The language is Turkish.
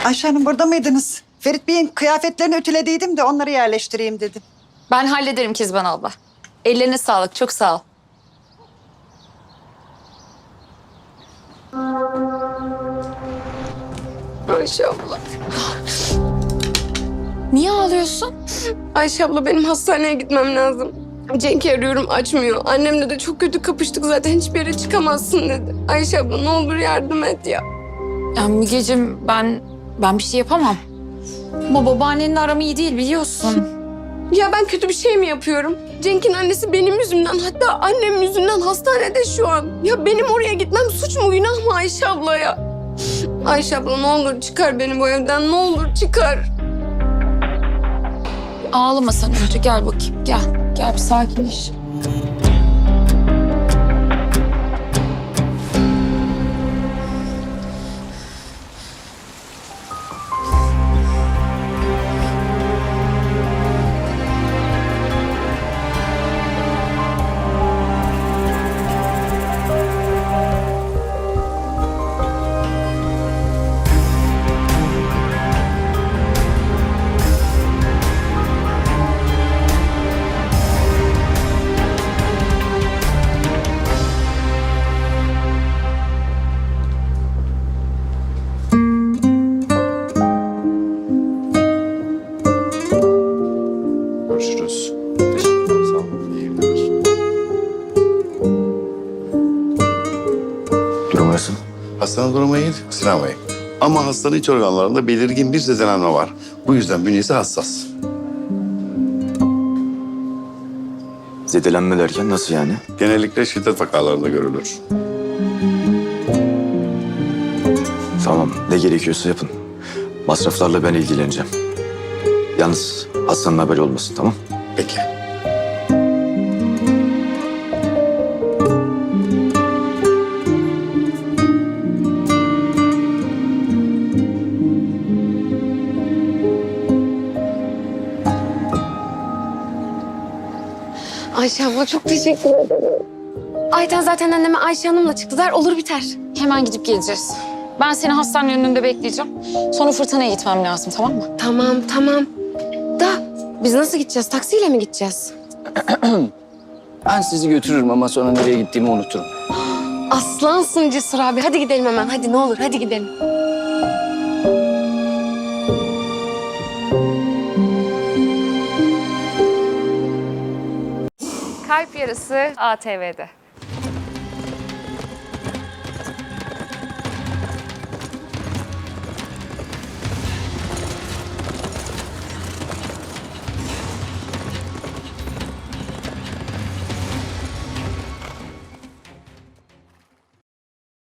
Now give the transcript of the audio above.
Ayşe Hanım burada mıydınız? Ferit Bey'in kıyafetlerini ütülediydim de onları yerleştireyim dedim. Ben hallederim Kezban abla. Ellerine sağlık, çok sağ ol. Ayşe abla. Niye ağlıyorsun? Ayşe abla benim hastaneye gitmem lazım. Cenk'i arıyorum açmıyor. Annemle de çok kötü kapıştık zaten hiçbir yere çıkamazsın dedi. Ayşe abla ne olur yardım et ya. Ya Mügeciğim ben bir şey yapamam. Ama babaannenle aram iyi değil biliyorsun. Ya ben kötü bir şey mi yapıyorum? Cenk'in annesi benim yüzümden hatta annem yüzünden hastanede şu an. Ya benim oraya gitmem suç mu günah mı Ayşe abla ya? Ayşe abla ne olur çıkar beni bu evden ne olur çıkar. Ağlama sen önce gel bakayım gel. Gel bir sakinleş. Görüşürüz. Teşekkürler. Sağ olun. İyi günler. Durum nasıl? Hastanın durumu iyi Sinan Bey. Ama hastanın iç organlarında belirgin bir zedelenme var. Bu yüzden bünyesi hassas. Zedelenme derken nasıl yani? Genellikle şiddet vakalarında görülür. Tamam, ne gerekiyorsa yapın. Masraflarla ben ilgileneceğim. Yalnız hastanın haberi olmasın, tamam? Peki. Ayşe abla çok teşekkür ederim. Ayten zaten anneme Ayşe Hanım'la çıktılar olur biter. Hemen gidip geleceğiz. Ben seni hastanenin önünde bekleyeceğim. Sonra fırtınaya gitmem lazım tamam mı? Tamam. Da biz nasıl gideceğiz? Taksiyle mi gideceğiz? Ben sizi götürürüm ama sonra nereye gittiğimi unuturum. Aslansın Cesur abi. Hadi gidelim hemen. Hadi ne olur hadi gidelim. Kalp Yarısı ATV'de.